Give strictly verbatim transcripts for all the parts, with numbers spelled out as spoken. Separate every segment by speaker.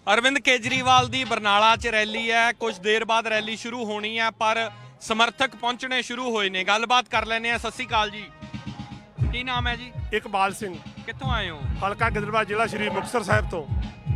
Speaker 1: अरविंद केजरीवाल की बरनाला च रैली है। कुछ देर बाद रैली शुरू होनी है पर समर्थक पहुंचने शुरू होए ने। गलबात कर लेने। सत श्री अकाल जी, की नाम है जी?
Speaker 2: इकबाल सिंह,
Speaker 1: कित्थों आए हो?
Speaker 2: हलका गिदड़बाहा, जिला श्री मुक्तसर साहिब तो।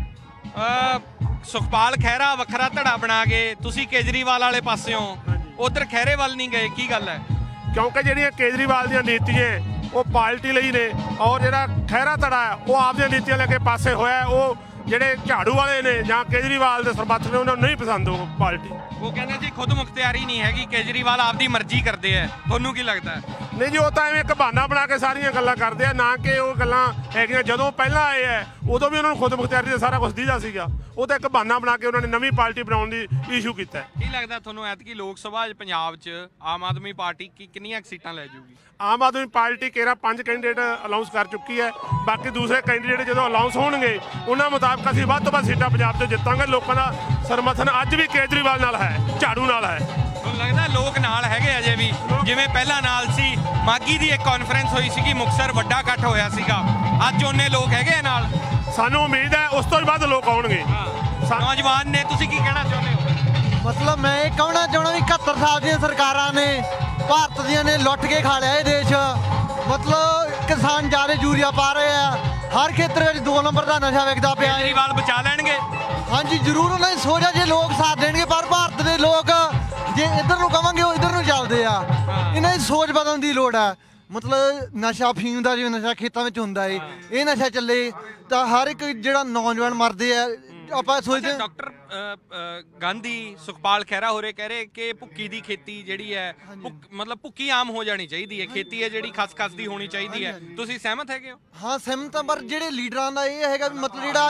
Speaker 1: सुखपाल खैरा वखरा धड़ा बना के तुसी केजरीवाल वाले पासे हो, उधर खैरेवाल नहीं गए, की गल है?
Speaker 2: क्योंकि ਜਿਹੜੀਆਂ केजरीवाल ਦੀਆਂ ਨੀਤੀਆਂ ਉਹ ਪਾਰਟੀ ਲਈ ਨੇ ਔਰ ਜਿਹੜਾ ਖਹਿਰਾ ਧੜਾ ਹੈ ਉਹ ਆਪਦੀਆਂ ਨੀਤੀਆਂ ਲੈ ਕੇ ਪਾਸੇ ਹੋਇਆ। ਉਹ ਜਿਹੜੇ ਝਾੜੂ ਵਾਲੇ ਨੇ ਜਾਂ केजरीवाल ਦੇ ਸਰਬੱਤ ਨੇ ਉਹਨਾਂ ਨੂੰ ਨਹੀਂ ਪਸੰਦ ਉਹ ਪਾਰਟੀ। ਉਹ
Speaker 1: ਕਹਿੰਦੇ ਜੀ ਖੁਦ ਮੁਖਤਿਆਰੀ ਨਹੀਂ ਹੈਗੀ, केजरीवाल ਆਪਦੀ ਮਰਜ਼ੀ ਕਰਦੇ ਆ। ਤੁਹਾਨੂੰ ਕੀ ਲੱਗਦਾ ਹੈ?
Speaker 2: ਨਹੀਂ ਜੀ, ਉਹ ਤਾਂ ਐਵੇਂ ਇੱਕ ਬਹਾਨਾ ਬਣਾ ਕੇ ਸਾਰੀਆਂ ਗੱਲਾਂ ਕਰਦੇ ਆ, ਨਾ ਕਿ ਉਹ ਗੱਲਾਂ ਹੈਗੀਆਂ। ਜਦੋਂ ਪਹਿਲਾਂ ਆਏ ਆ ਉਦੋਂ ਵੀ ਉਹਨਾਂ ਨੂੰ ਖੁਦ ਮੁਖਤਿਆਰੀ ਦਾ ਸਾਰਾ ਕੁਝ ਦੀਦਾ ਸੀਗਾ। ਉਹ ਤਾਂ ਇੱਕ ਬਹਾਨਾ ਬਣਾ ਕੇ ਉਹਨਾਂ ਨੇ ਨਵੀਂ ਪਾਰਟੀ ਬਣਾਉਣ ਦੀ ਇਸ਼ੂ ਕੀਤਾ।
Speaker 1: ਕੀ ਲੱਗਦਾ ਤੁਹਾਨੂੰ ਐਤਕੀ ਲੋਕ ਸਭਾ ਪੰਜਾਬ 'ਚ ਆਮ ਆਦਮੀ ਪਾਰਟੀ ਕੀ ਕਿੰਨੀਆਂ ਸੀਟਾਂ ਲੈ ਜਾਊਗੀ?
Speaker 2: ਆਮ ਆਦਮੀ ਪਾਰਟੀ ਕੇਰਾ ਪੰਜ ਕੈਂਡੀਡੇਟ ਅਨਾਉਂਸ ਕਰ ਚੁੱਕੀ ਹੈ। ਬਾਕੀ ਦੂਸਰੇ ਕੈਂਡੀਡੇਟ ਜਦੋਂ ਅਨਾਉਂਸ ਹੋਣਗੇ ਉਹਨਾਂ ਮੁਤਾਬਕ ਅਸੀਂ ਵੱਧ ਤੋਂ ਵੱਧ ਸੀਟਾਂ ਪੰਜਾਬ 'ਚ ਜਿੱਤਾਂਗੇ। ਲੋਕਾਂ ਦਾ ਸਮਰਥਨ ਅੱਜ ਵੀ केजरीवाल ਨਾਲ ਹੈ, ਝਾੜੂ ਨਾਲ ਹੈ।
Speaker 1: ਤੁਹਾਨੂੰ ਲੱਗਦਾ ਲੋਕ ਨਾਲ ਹੈਗੇ ਅਜੇ ਵੀ, ਜਿਵੇਂ ਪਹਿਲਾਂ ਨਾਲ ਸੀ? ਮਾਗੀ ਦੀ ਇੱਕ ਕਾਨਫਰੰਸ ਹੋਈ ਸੀਗੀ, ਮੁਕਤਸਰ ਵੱਡਾ ਇਕੱਠ ਹੋਇਆ ਸੀਗਾ, ਅੱਜ ਉਹਨੇ ਲੋਕ ਹੈਗੇ ਨਾਲ?
Speaker 2: ਸਾਨੂੰ ਉਮੀਦ ਹੈ ਉਸ ਤੋਂ ਵੀ ਵੱਧ ਲੋਕ ਆਉਣਗੇ।
Speaker 1: ਨੌਜਵਾਨ ਨੇ, ਤੁਸੀਂ ਕੀ ਕਹਿਣਾ ਚਾਹੁੰਦੇ ਹੋ?
Speaker 3: ਮਤਲਬ ਮੈਂ ਇਹ ਕਹਿਣਾ ਚਾਹੁੰਦਾ ਵੀ ਇਕਹੱਤਰ ਸਾਲ ਦੀਆਂ ਸਰਕਾਰਾਂ ਨੇ ਭਾਰਤ ਦੀਆਂ ਨੇ ਲੁੱਟ ਕੇ ਖਾ ਲਿਆ ਇਹ ਦੇਸ਼। ਮਤਲਬ ਕਿਸਾਨ ਜ਼ਿਆਦਾ ਯੂਰੀਆ ਪਾ ਰਹੇ ਆ, ਹਰ ਖੇਤਰ ਵਿੱਚ ਦੋ ਨੰਬਰ ਦਾ ਨਸ਼ਾ ਵਿਕਦਾ ਪਿਆ।
Speaker 1: ਕੇਜਰੀਵਾਲ ਬਚਾ ਲੈਣਗੇ?
Speaker 3: ਹਾਂਜੀ ਜ਼ਰੂਰ, ਉਹਨਾਂ ਦੀ ਸੋਚ ਆ ਜੇ ਲੋਕ ਸਾਥ ਦੇਣਗੇ। ਪਰ ਭਾਰਤ ਦੇ ਲੋਕ ਜੇ ਇੱਧਰ ਨੂੰ ਕਵਾਂਗੇ ਉਹ ਇੱਧਰ ਨੂੰ ਚੱਲਦੇ ਆ। ਇਹਨਾਂ ਦੀ ਸੋਚ ਬਦਲਣ ਦੀ ਲੋੜ ਆ। ਮਤਲਬ ਨਸ਼ਾ ਫੀਮ ਦਾ ਜਿਵੇਂ ਨਸ਼ਾ ਖੇਤਾਂ ਵਿੱਚ ਹੁੰਦਾ ਏ, ਇਹ ਨਸ਼ਾ ਚੱਲੇ ਤਾਂ ਹਰ ਇੱਕ ਜਿਹੜਾ ਨੌਜਵਾਨ ਮਰਦੇ ਆ। ਆਪਾਂ ਸੋਚਦੇ
Speaker 1: ਡਾਕਟਰ ਗਾਂਧੀ, ਸੁਖਪਾਲ ਖਹਿਰਾ ਹੋਰੇ ਕਹਿ ਰਹੇ ਕਿ ਭੁੱਕੀ ਦੀ ਖੇਤੀ ਜਿਹੜੀ ਹੈ, ਮਤਲਬ ਭੁੱਕੀ ਆਮ ਹੋ ਜਾਣੀ ਚਾਹੀਦੀ ਹੈ, ਖੇਤੀ ਹੈ ਜਿਹੜੀ ਖਸ ਖਸ ਦੀ ਹੋਣੀ ਚਾਹੀਦੀ ਹੈ। ਤੁਸੀਂ ਸਹਿਮਤ ਹੈਗੇ ਹੋ?
Speaker 3: ਹਾਂ ਸਹਿਮਤ ਹਾਂ, ਪਰ ਜਿਹੜੇ ਲੀਡਰਾਂ ਦਾ ਇਹ ਹੈਗਾ ਵੀ ਮਤਲਬ ਜਿਹੜਾ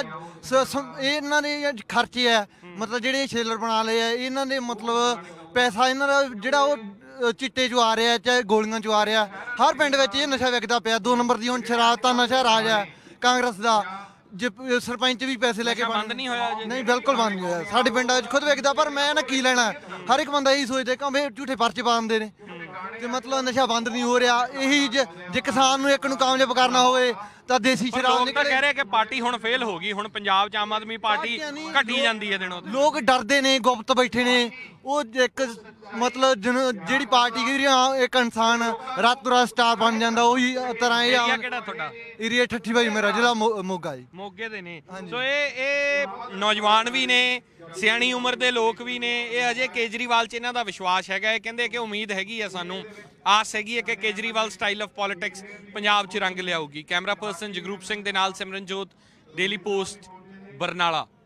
Speaker 3: ਇਹ ਇਹਨਾਂ ਦੇ ਖਰਚੇ ਆ, ਮਤਲਬ ਜਿਹੜੇ ਛੇਲਰ ਬਣਾ ਲਏ ਆ ਇਹਨਾਂ ਦੇ, ਮਤਲਬ ਪੈਸਾ ਇਹਨਾਂ ਦਾ ਜਿਹੜਾ ਉਹ ਚਿੱਟੇ 'ਚੋਂ ਆ ਰਿਹਾ ਚਾਹੇ ਗੋਲੀਆਂ 'ਚੋਂ ਆ ਰਿਹਾ। ਹਰ ਪਿੰਡ ਵਿੱਚ ਇਹ ਨਸ਼ਾ ਵਿਕਦਾ ਪਿਆ। ਦੋ ਨੰਬਰ ਦੀ ਹੁਣ ਸ਼ਰਾਬ ਤਾਂ ਨਸ਼ਾ ਰਾਜ ਹੈ ਕਾਂਗਰਸ ਦਾ। ਜੇ ਸਰਪੰਚ ਵੀ ਪੈਸੇ ਲੈ ਕੇ
Speaker 1: ਬੰਦ ਨਹੀਂ ਹੋਇਆ?
Speaker 3: ਨਹੀਂ, ਬਿਲਕੁਲ ਬੰਦ ਨਹੀਂ ਹੋਇਆ। ਸਾਡੇ ਪਿੰਡਾਂ ਵਿੱਚ ਖੁਦ ਵਿਕਦਾ, ਪਰ ਮੈਂ ਨਾ ਕੀ ਲੈਣਾ। ਹਰ ਇੱਕ ਬੰਦਾ ਇਹੀ ਸੋਚਦਾ ਕਿ ਵੇ ਝੂਠੇ ਪਰਚੇ ਪਾ ਦਿੰਦੇ ਨੇ ਤੇ ਮਤਲਬ ਨਸ਼ਾ ਬੰਦ ਨਹੀਂ ਹੋ ਰਿਹਾ। ਇਹੀ ਜੇ ਕਿਸਾਨ ਨੂੰ ਇੱਕ ਨੂੰ ਕਾਮਯਾਬ ਕਰਨਾ ਹੋਵੇ ਤਾਂ ਦੇਸੀ ਸ਼ਰਾਬ ਨਿਕਲੇ।
Speaker 1: ਕਹਿ ਰਹੇ ਕਿ ਪਾਰਟੀ ਹੁਣ ਫੇਲ ਹੋ ਗਈ, ਹੁਣ ਪੰਜਾਬ 'ਚ ਆਮ ਆਦਮੀ ਪਾਰਟੀ ਘਟੀ ਜਾਂਦੀ ਹੈ ਦਿਨੋਂ ਦਿਨ।
Speaker 3: ਲੋਕ ਡਰਦੇ ਨੇ, ਗੁਪਤ ਬੈਠੇ ਨੇ। ਉਹ ਇੱਕ ਮਤਲਬ ਜਿਹੜੀ ਪਾਰਟੀ ਗਈ ਇੱਕ ਇਨਸਾਨ ਰਾਤੋਂ ਰਾਤ ਸਟਾਰ ਬਣ ਜਾਂਦਾ, ਉਹੀ ਤਰ੍ਹਾਂ ਇਹ।
Speaker 1: ਏਰੀਆ ਕਿਹੜਾ ਤੁਹਾਡਾ?
Speaker 3: ਏਰੀਆ ਠੱਠੀ ਭਾਈ ਮੇਰਾ, ਜ਼ਿਲ੍ਹਾ ਮੋਗਾ ਜੀ।
Speaker 1: ਮੋਗੇ ਦੇ ਨੇ। ਸੋ ਇਹ ਇਹ ਨੌਜਵਾਨ ਵੀ ਨੇ, ਸਿਆਣੀ ਉਮਰ ਦੇ ਲੋਕ ਵੀ ਨੇ। ਇਹ ਅਜੇ केजरीवाल 'ਚ ਇਹਨਾਂ ਦਾ ਵਿਸ਼ਵਾਸ ਹੈਗਾ। ਇਹ ਕਹਿੰਦੇ ਕਿ ਉਮੀਦ ਹੈਗੀ ਆ, ਸਾਨੂੰ ਆਸ ਹੈਗੀ ਹੈ ਕਿ Kejriwal style of politics Punjab 'ਚ ਰੰਗ ਲਿਆਊਗੀ। ਕੈਮਰਾ ਪਰਸਨ ਜਗਰੂਪ ਸਿੰਘ ਦੇ ਨਾਲ ਸਿਮਰਨਜੋਤ, ਡੇਲੀ ਪੋਸਟ, ਬਰਨਾਲਾ।